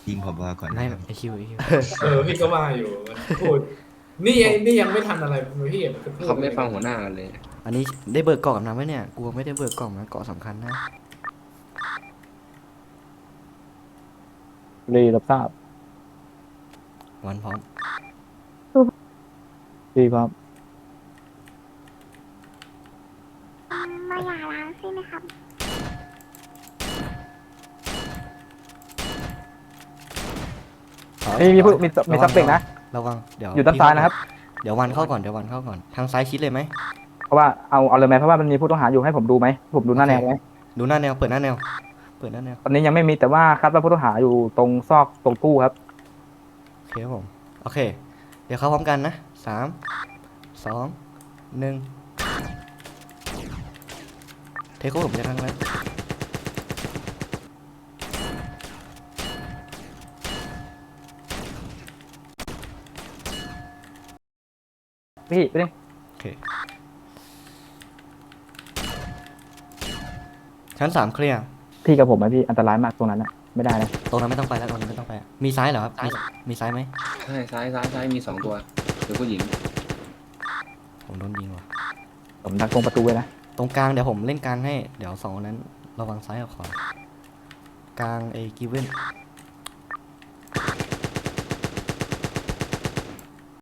ยิงผบก่อนไม่นะครับไอคิวไอคิวพี่ก็ว่าอยู่มันพูดนี่ยังไม่ทันอะไรพี่มันจะพูดเขาอะไรกันไม่ฟังหัวหน้ากันเลยอันนี้ได้เบิกกล่องกับน้ำไหมเนี่ยกลัวไม่ได้เบิกกล่องนะเกาะสำคัญนะรีรับทราบวันพร้อมดีครับมาหย่าร้างใช่ไหมครับนี่มีผู้มีซับเปกนะระวังเดี๋ยวอยู่ด้านซ้ายนะครับเดี๋ยววันเข้าก่อนเดี๋ยววันเข้าก่อนทางซ้ายชิดเลยไหมเพราะว่าเอาเลยไหมเพราะว่ามันมีผู้ต้องหาอยู่ให้ผมดูไหมผมดูหน้าแนวไหมดูหน้าแนวเปิดหน้าแนวเปิดหน้าแนวตอนนี้ยังไม่มีแต่ว่าคาดว่าผู้ต้องหาอยู่ตรงซอกตรงตู้ครับโอเคครับผมโอเคเดี๋ยวเข้าพร้อมกันนะสามสองหนึ่งเทคโคผมจะทั้งแล้วพี่ไปดิโอเคชั้นสามเคลียร์พี่กับผมไหมพี่อันตรายมากตรงนั้นนะไม่ได้นะตรงนั้นไม่ต้องไปแล้วตรงนั้นไม่ต้องไปมีซ้ายเหรอครับมีซ้ายไหมใช่ซ้ายมี2 ตัวเดี๋ยวผู้หญิงผมโดนยิงว่ะผมดักตรงประตูไว้นะตรงกลางเดี๋ยวผมเล่นกลางให้เดี๋ยวสองคนนั้นระวังซ้ายกับขวากลางไอ้กิเว้น